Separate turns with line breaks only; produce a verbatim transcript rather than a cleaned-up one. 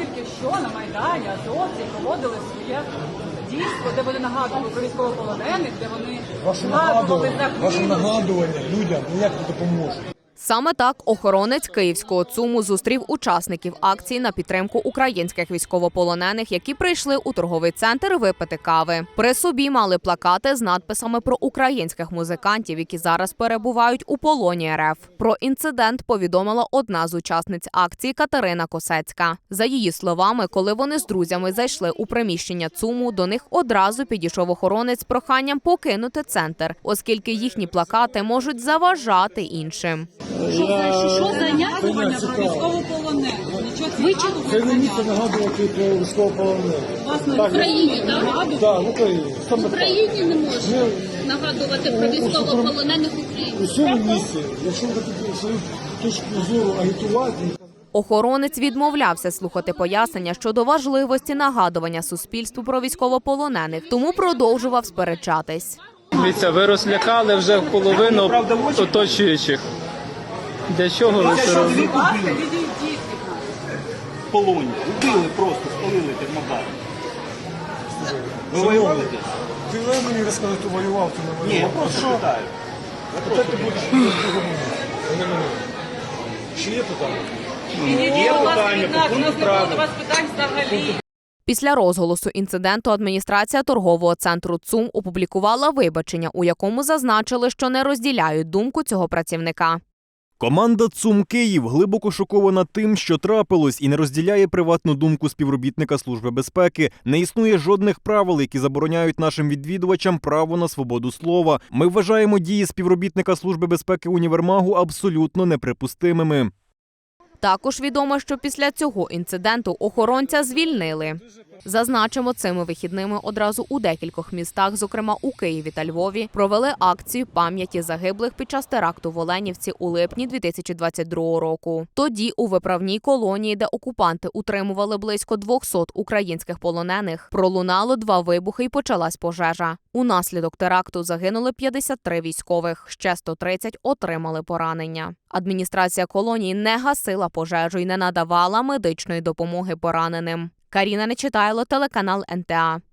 тільки що на Майдані азовці проводили своє дійство, де вони нагадували про військовополонених, де вони
Ваше
нагадували
нагадування, ваше
загиблих.
нагадування людям ніяк не допоможе.
Саме так охоронець київського ЦУМу зустрів учасників акції на підтримку українських військовополонених, які прийшли у торговий центр випити кави. При собі мали плакати з надписами про українських музикантів, які зараз перебувають у полоні РФ. Про інцидент повідомила одна з учасниць акції Катерина Косецька. За її словами, коли вони з друзями зайшли у приміщення ЦУМу, до них одразу підійшов охоронець з проханням покинути центр, оскільки їхні плакати можуть заважати іншим.
Що за, що за нагадування про військовополонених?
Це не місце нагадувати про військовополонених.
Власне,
Так,
в Україні, так?
Так, в Україні.
В Україні не можна нагадувати про військовополонених України.
У цьому місці, якщо ви хочете свою точку зору агітувати,
Охоронець відмовлявся слухати пояснення щодо важливості нагадування суспільству про військовополонених, тому продовжував сперечатись.
Дивіться, ви розлякали вже половину оточуючих. Для чого ви це робите?
Будь ласка, відійдіть від нас.
Полоні. Убили просто, спалили термобар. Ви воювали десь?
ти не мені розказати, хто воював, ти не
Ні, я
воював.
просто питаю.
Тепер ти будеш в другому. Не мене. Ще є питання?
Відійдіть,
Є
будь ласка,
питання
від
по
нас. У
пункту
нас не було
правил.
до вас питань взагалі.
Після розголосу інциденту адміністрація торгового центру ЦУМ опублікувала вибачення, у якому зазначили, що не розділяють думку цього працівника.
Команда ЦУМ Київ глибоко шокована тим, що трапилось, і не розділяє приватну думку співробітника Служби безпеки. Не існує жодних правил, які забороняють нашим відвідувачам право на свободу слова. Ми вважаємо дії співробітника Служби безпеки універмагу абсолютно неприпустимими.
Також відомо, що після цього інциденту охоронця звільнили. Зазначимо, цими вихідними одразу у декількох містах, зокрема у Києві та Львові, провели акцію пам'яті загиблих під час теракту в Оленівці у липні дві тисячі двадцять другого року. Тоді у виправній колонії, де окупанти утримували близько двохсот українських полонених, пролунало два вибухи і почалась пожежа. Унаслідок теракту загинули п'ятдесят три військових, ще сто тридцять отримали поранення. Адміністрація колонії не гасила пожежу і не надавала медичної допомоги пораненим. Каріна Нечитайло, телеканал ен те а.